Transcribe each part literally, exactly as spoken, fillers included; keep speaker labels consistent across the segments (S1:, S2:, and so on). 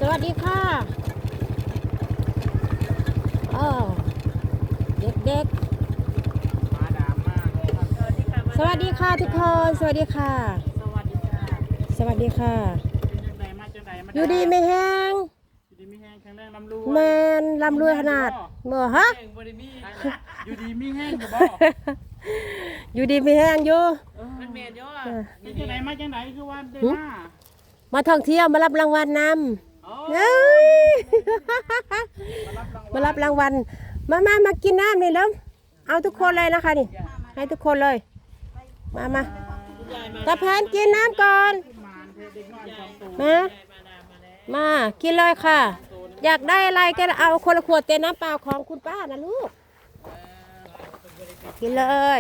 S1: สวัสดีค่ะอ้าวเด็ก
S2: มาดามมากเลยครับสวัสดีค่ะ
S1: ๆ สวัสดีค่ะทุกคน สวัสดีค่ะ
S2: สวัสดีค่ะ
S1: สวัสดีค่ะ
S2: เป็นจังไดมาจังไดมา
S1: อยู่ดีไม่แห้ง
S2: อยู่ดีมีแห้งแข็งแรงลำรู
S1: แมนลำรวยขนาดเมื่อฮะ
S2: อยู่ดีมีแห้งอยู่บ่
S1: อยู่ดีไม่แห้งอยู่
S2: มันเมนเยอะเป็นจังไดมาจังไดคือว่าได้มา
S1: มาท่องเที่ยวมารับรางวัลนำเฮ้ยมารับรางวัล มามามากินน้ำนี่แล้วเอาทุกคนเลยนะคะนี่ ให้ทุกคนเลย มามาตาแพนกินน้ำก่อน มา มากินเลยค่ะ อยากได้อะไรก็เอาคนละขวดเต็มน้ำเปล่าของคุณป้านะลูก กินเลย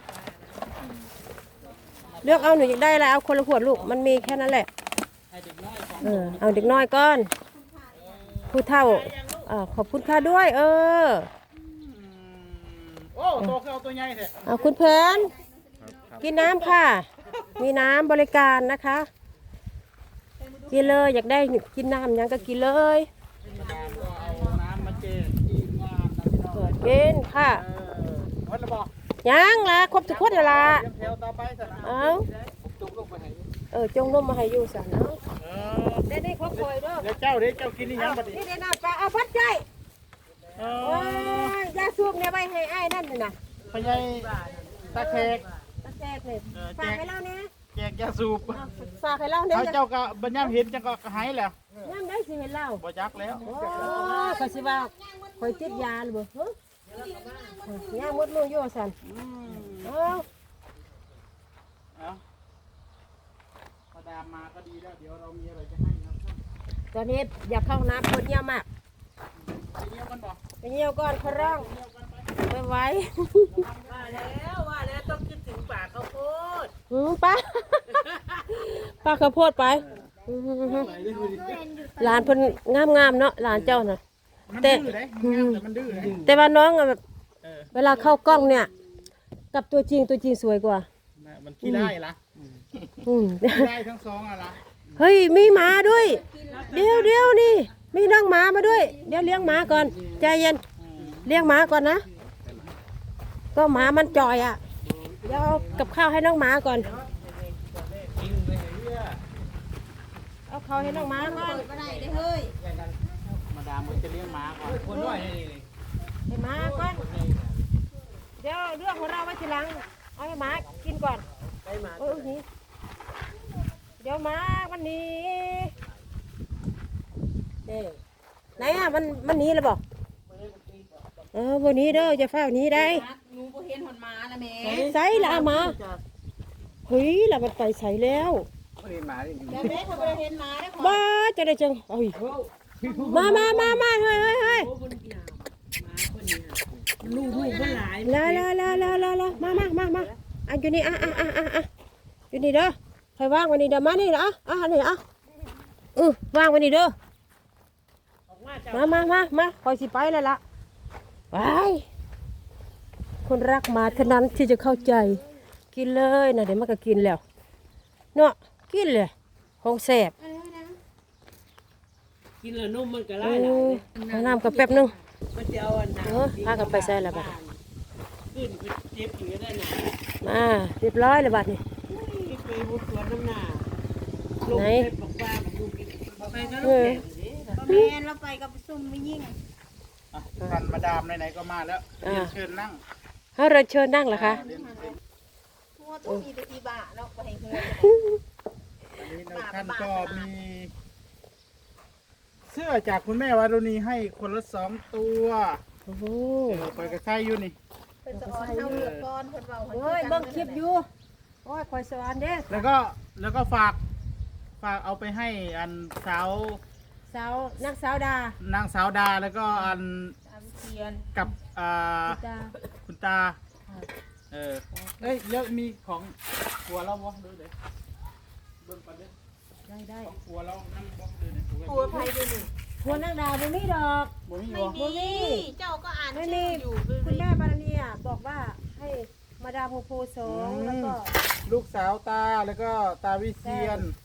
S1: เลือกเอาหนูอยากได้อะไรเอาคนละขวดลูกมันมีแค่นั้นแหละเออเอาเด็กน้อยก่อนผู้เฒ่าอ่าขอบคุณค่ะด้วย เออ
S2: โอ้โตคือเอาตัวใหญ่แท้
S1: เอาคุณเพนกินน้ำค่ะ มีน้ำบริการนะคะกินเลยอยากได้กินน้ำยังก็กินเลย
S2: มาดามก็เอาน้ำมาเจทีมงานนะพี่น้อง
S1: เปิดกินค่ะ
S2: เออวัดละบ่
S1: ยังละครบทุกคนแล้วละ
S2: เตรียมแถวต่อไปซะนะ
S1: เอา
S2: จุกลงไปให้
S1: เออจงร่มมาให้อยู่สันเอา
S2: เออ
S1: ได้ได้ครบคอยด้วย
S2: เดี๋ยวเจ้าเดี๋ยวเจ้ากินนี่ยังบัดนี้
S1: นี่ได้น้ำปลาเอาพัดใจ
S2: เอ
S1: โอ้
S2: อย
S1: ยาสูบเนี่ยไปให้ไอ้นั่นน่ะนะ
S2: พญายตาแขก
S1: ตะแจกเลยฝากให้เราเนี่ย
S2: แจกยาสูบ
S1: ฝากให้เราเนี่ย
S2: เขาเจ้าก็บัญญัติเห็นจังก็หายแล้ว
S1: ย่ำได้สิเห็นเรา
S2: บ่จักแล้ว
S1: โอ้ก็สิว่าคอยติดยาหรือเปล่าฮะย่างมดมือโยสัน
S2: อืม
S1: เออ
S2: เอาพอดามมาก็ดีแล้ว เดี๋ยวเรามีอะไรจะให้นะครับ
S1: ตอนนี้อยากเข้าน้ำคนเยี่ยมมาก
S2: ไปเยี่ยมกันบ่
S1: ไปเยี่ยวก่อนขร้อง
S2: เยี่ยมกันไป
S1: ไปไว้
S3: ว่าแล้วว่าแล้วต้องคิดถึงป่าข้าวโพด
S1: อืมป้าป้าข้าวโพดไปอืมหลานเพิ่นงามๆเนาะหลานเจ้าน่ะ
S2: มัน
S1: แต่
S2: ดื้อเลยมันงามแต่มันดื้อเลย
S1: แต่ว่าน้องอะแบบ
S2: เออ
S1: เวลาเข้ากล้องเนี่ย กับตัวจริงตัวจริงสวยกว่า
S2: น่ะมันขี้ได้ละ
S1: อืม
S2: ขี้ได้ทั้งสองอะละ
S1: เฮ้ยมีหมาด้วย เดี๋ยวเดี๋ยวนี่มีน้องหมามาด้วย เดี๋ยวเลี้ยงหมาก่อนใจเย็น
S2: อืม
S1: เลี้ยงหมาก่อนนะ ก็หมามันจ่อยอ่ะเดี๋ยวเอากับข้าวให้น้องหมาก่อนเอาข้าวให้น้องหมาก่อน
S2: มาดามมันจะเลี้ยงหมาก่อนคนด้วยนี่
S1: ให้หมาก่อนเดี๋ยวเรื่องของเราไว้ทีหลังเอาให้หมากินก่อนเออนี่เดี๋ยวหมาวันนี้เด้ไหนอ่ะมันมันหนีแล้วบอกเออวันนี้เด้อจะเฝ้าหนี้ได้
S3: หนูบ่เห็นหนมานะแม่
S1: ใส่ละเอามาเฮ้ยละมันไปใส่แล้ว
S2: ไม่ได้หมาดิ
S3: แต่แม่เขาบ่ได้เห็นหมาได้ขอ
S1: บ้าจะได้จังเอ้ยมามามามาเฮ้ยเฮ้ยเฮ้ย
S3: ลูกลูกมันหลาย
S1: ลาลาลาลาลาลามามามามาอ่ะอยู่นี่อ่ะอ่ะอ่ะอ่ะอ่ะอยู่นี่เด้อใครว่างวันนี้เด้อมานี่อ่ะอ่ะนี่อ่ะเออว่างวันนี้เด้อมามามามาคอยสิไปแล้วล่ะไปคนรักหมาเท่านั้นที่จะเข้าใจกินเลยนะเดี๋ยวมันก็กินแล้วเนาะกินเลยของแสบ
S3: กินแล้วนมมันก็
S1: เอ
S3: ไล่หลา
S1: อย เอาน้ำกับแป๊บนึง
S3: มันจะเอาอันน้
S1: เออพากันไปใส่ละบัด
S3: ขึ้นไปเจ็บอยู่ได้น่ะ
S1: มาเรียบร้อยเลยบัดนี่
S3: ไปบุกสวนน้ำหน้าลง
S1: ไหน
S3: ไปบอกว่าบอกลูกกินไปก็ลูกแก่ดิ
S4: แม่เราไปกับซุ่มไม่ยิ่ง
S2: อ่ะท่านมาดามไหนๆก็มาแล้วเรียนเชิญนั่ง
S1: ให้เราเชิญนั่งเหรอคะ
S2: เรียนเชิญ
S4: ทั่วตู้อีตะอีบะเราไปเฮือ
S2: อันนี้ในท่านก็มี เสื้อจากคุณแม่วารุณีให้คนละสองตัว
S1: โอ้โห
S2: เออไปกระใช้อยู่นี่
S4: เพิ่นจะอ่อนเฮาเลือกก่อนเพิ่นเว้า
S1: เฮ้ยเบิ่งคลิปอยู่โอ้ยคอยสวรรค์เด้
S2: แล้วก็แล้วก็ฝากฝากเอาไปให้อันสาว
S1: สาวนักสาวดาน
S2: างสาวดาแล้วก็อัน
S4: ตามเทียน
S2: กับอ่า
S1: ดา
S2: คุณตาเออเอ้ยเยอะมีของครัวเราบ่ดูเด้เบิ่งก่อนเด้
S1: ได้ได้
S2: ของครัวเรานั่งบ่ดูเด้
S4: ตัวไผด้วยนี่
S1: หัวนักดาบ่มีดอก
S2: บ่มี
S4: ไม่
S2: บ่
S4: มีเจ้าก็อ่าน
S1: ไม่
S4: ชื่
S1: มี
S4: ออยู่
S1: คุณแม่บารณีอ่ะบอกว่าให้มาดามโพโพสองแล้วก็
S2: ลูกสาวตาแล้วก็ตาวิเชียน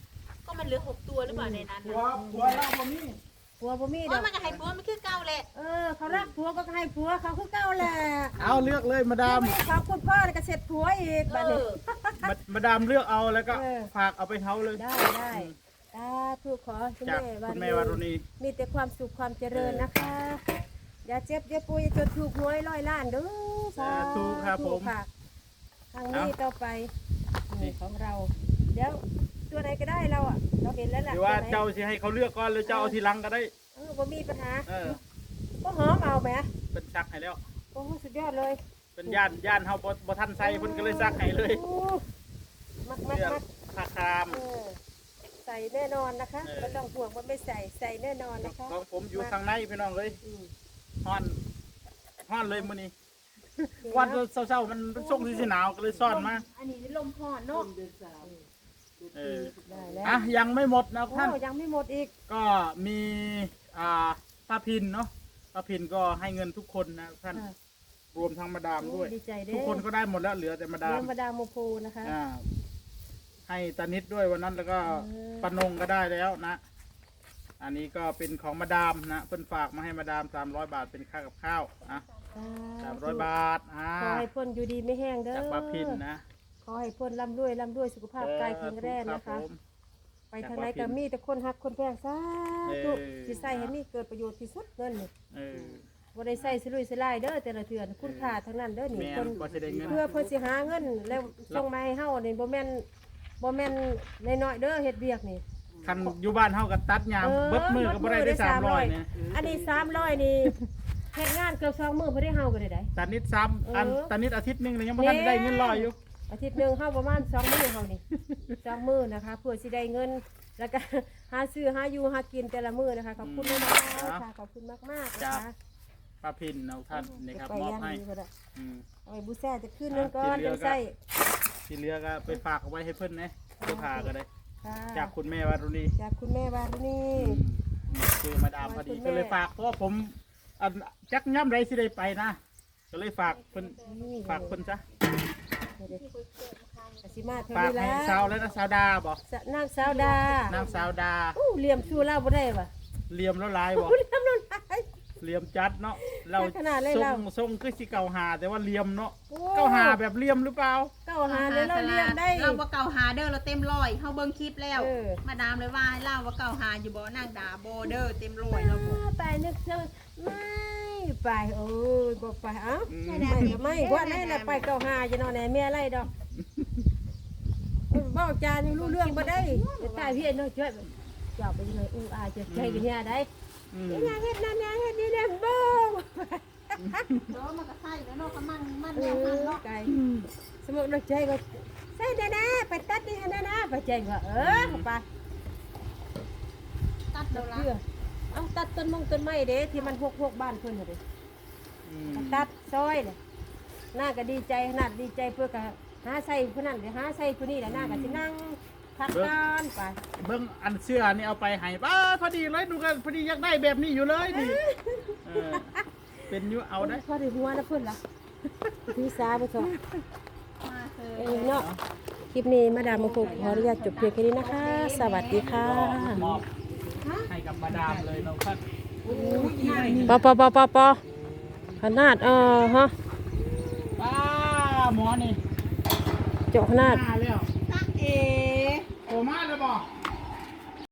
S4: ก็มันเหลือหกตัวหรือเปล่าในนั้น
S2: หัว
S4: น่ะ
S2: หัวเราบ่มี
S1: ผัวบ่มีด
S4: โอ้
S1: อย ก
S4: มันก็ให้ผัวมันคือเก่าแหละ
S1: เออเขารักผัวก็ให้ผัวเขาคือเก่าแหละ
S2: เอาเลือกเลยมาดาม
S1: เขาคุณพ่อก็เสร็จผัวอีก
S4: เอ
S1: บัดนี้
S4: อ
S2: มามาดามเลือกเอาแล้วก็
S1: เออ
S2: ฝากเอาไปเฮาเลย
S1: ได้ได้ตาถูกขอคุณ
S2: จาก
S1: แม่
S2: คุณแม่วารุณี
S1: มีแต่ความสุขความเจริญนะคะ อย่าเจ็บอย่าป่วยจนถูกหวยร้อยล้านเด้อ
S2: สาธุครับผม
S1: ค่ะทางนี้ต่อไปนี่ของเรา เดี๋ยวตัวไหนก็ได้เราอ่ะเราเห็นแล้ว
S2: ห
S1: ล่ะ
S2: รือว่า
S1: ตัวไหน
S2: เจ้าสิให้เขาเลือกก่อนหรือเจ้าเอาทีหลังก็ได้
S1: เออบ่มีปัญหา
S2: เออ
S1: ก็หอมเอาไหม
S2: เป็นซักให้แล้ว
S1: โอ้สุดยอดเลย
S2: เป็นย่านย่านเฮาบ่บ่ทันใส่เพิ่นก็เลยซักให้เลย
S1: โอ้มักมัก
S2: เลือก
S1: มัก
S2: ผ้าคราม
S1: เออใส่แน่นอนนะคะ
S2: เออ
S1: ไม่ต้องห่วงว่าไม่ใส่ใส่แน่นอนนะคะ
S2: ของผมอยู่ข้างในพี่น้องเอ้ย
S1: อืม
S2: ฮ้อนฮ้อนเลยมื้อนี้วันเช้าๆมันเป็นช่วงที่สิหนาวก็เลยซ่อนมา
S4: อันนี้ลมพอนเนาะ
S2: เออ
S1: ได้แล้ว
S2: อ่ะยังไม่หมดนะ
S1: โอ้
S2: ท่าน
S1: ยังไม่หมดอีก
S2: ก็มีอ่าป้าพินเนาะป้าพินก็ให้เงินทุกคนนะท่าน
S1: ค่ะ
S2: รวมทั้งมาดามด้วย
S1: ดีใจเด้
S2: ทุกคนก็ได้หมดแล้วเหลือแต่มาดา
S1: เรื่
S2: ม
S1: องมาดามโมโพนะคะ
S2: อ่าให้ตานิดด้วยวันนั้นแล้วก็
S1: เออ
S2: ปานงก็ได้แล้วนะ อันนี้ก็เป็นของมาดามนะเพิ่นฝากมาให้มาดามสามร้อยบาทเป็นค่ากับข้าวอ่ะสามร้อยบาทอ่า
S1: ขอให้พ้นอยู่ดีไม่แห้งเด้อ
S2: จากป้าพินนะ
S1: ขอให้พ้นร่ำรวยร่ำรวยสุขภาพกายแข็งแรงนะคะ
S2: รับผม
S1: ไปทางไหนก็มีแต่คนฮักคนแพงสาธุ
S2: เออ
S1: สิใส่ให้มีเกิดประโยชน์ที่สุดเงินนี่
S2: เออ
S1: บ่ได้ใส่สิลุยสิลายเด้อแต่ละเทื่อนะคุณค่าทั้งนั้นเด้อนี่
S2: แม่น
S1: คน
S2: กว่าสิได้เงิน
S1: เพื่อเพิ่นสิหาเงินแล้วส่งมาให้เฮานี่บ่แม่นบ่แม่นน้อยๆเด้อเฮ็ดเวียกนี่
S2: คันอยู่บ้านเฮาก็ตัดยาม
S1: เออ
S2: เบิดมือก็บ่ได้ได้สามร้อยเนี่ย
S1: อันนี้สามร้อยนี่เฮ็ดงานเกือบสองมื้อบ่ได้เฮาก็ได้ได้
S2: ตานิดซ้ำอัน
S1: เออ
S2: ตานิดอาทิตย์หนึงเลยยังบ่ทันได้เงินร้อยอยู่
S1: อาทิตย์หนึงเฮาประมาณสองมื้อเฮานี่ สองมื้อนะคะเพื่อสิได้เงิน แล้วก็ หาซื้อหาอยู่หากินแต่ละมื้อนะคะขอบคุณมากๆค่ะขอบคุณมากๆนะคะ
S2: ป้าพินเอาท่านนี่ครับ
S1: ไป
S2: มอบ
S1: ย่าง
S2: ให้
S1: ดีก็ได้
S2: อืม
S1: เอาไปบูแซ่จะขึ้นนึงก่อน
S2: ที่เหลื
S1: จั
S2: อก็
S1: งใส่
S2: ที่เหลือก็ไปฝากเอาไว้ให้เพิ่นนะเสื้อผ้าก็ได้
S1: ค่ะ
S2: จากคุณแม่วารุณี
S1: จากคุณแม่วารุณี
S2: คือมาดามพอดี
S1: คุณแม่
S2: ก็เลยฝากเพราะว่าผมอันจักย่ำไรสิได้ไปนะก็เลยฝากเพิ่นฝากเพิ่นซะ
S1: อาสิมาเท่า
S2: ฝาก
S1: นี้
S2: ให้
S1: แล้ว
S2: สาวแล้วนะสาวดาบ่
S1: สะนางสาวดาน
S2: างสาวดา
S1: อู้เหลี่ยมชูเล่าบ่ได้ว่ะ
S2: เหลี่ยมแล้วลายบ่
S1: อู้เหลี่ยมแล้วหลาย
S2: เหลี่ยมจัดเนาะเรา
S1: ขนาดเลย
S2: ทร
S1: เรา
S2: งทรงคือสิเก่าหาแต่ว่าเหลี่ยมเนาะ
S1: โอ้
S2: เก่าหาแบบเหลี่ยมหรือเปล่า
S1: เก้าหาเลยเราเลี้ยงได้
S4: เราว่าเก่าหาเด้อเราเต็มร้อยเฮาเบิ่งคลิปแล้ว
S1: เออ
S4: มาดามเลยว่าให้เล่าว่าเก่าหาอยู่บ่นางดาบ่เด้อเต็มร้อยเราบ่
S1: ไปนึกเจอไม่ไปโอ้ยบ่ไปเอ้า
S2: อืม
S1: ไม่ก็ไม่ว่าแน่น่ะไปเก้าหาจะนอนไหนแม่ไรดอกบอกจานี่รู้เรื่องบ่ได้แต่ตายพี่เนาะช่วยเจ้าไปยังไงอู้อาจะใจกันเนี่ยได้
S2: อืม
S1: ยังเฮ็ดนั่นยังเฮ็ดนี่แหละบ่
S4: เด้อมันก็ใช่แล้วเนาะก็มันมัน
S1: เอ
S4: แนวมัน
S1: อ
S4: เนาะ
S1: ไก่สมมุติเราใจก็ใส่ได้นะไปตัดนี่นะนะไปใจก็เออไป
S4: ตัด
S1: ตั
S4: เด้
S1: ด
S4: อละ
S1: เพื่อเอาตัดต้นมงต้นไม้เด้ที่มันหกๆบ้านเพิ่นน่ะเด้
S2: อืม
S1: ตัดซอยเนี่ยหน้าก็ดีใจขนาดดีใจเพื่อก็หาใส่ผู้นั้นเดี๋ยวหาใส่ผู้นี้แหละหน้าก็สินั่งพักนอนไป
S2: เบิ่งอันเสื้อนี่เอาไปให้ป้าพอดีเลยดูกันพอดีอยากได้แบบนี้อยู่เลยนี่เออเป็นอยู่เอาได้
S1: พอได้หัวนะเพิ่นล่ะพี่สาบ่ซอ
S4: มาเถ
S1: เอ
S4: อะ
S1: อเนาะคลิปนี้มาดามมาพบขออนุญาตจบเพียงแค่นี้นะคะ สวัสดีค่ะ
S2: มอบให้กับมาดามเลยน้องท่าน
S1: ปอปอปอปอปอขนาดเออฮะ
S2: ป้าหมอนี่
S1: เจาะขนาด
S2: มาแล้ว
S4: ตักเอ
S2: โอมาแล้วบ่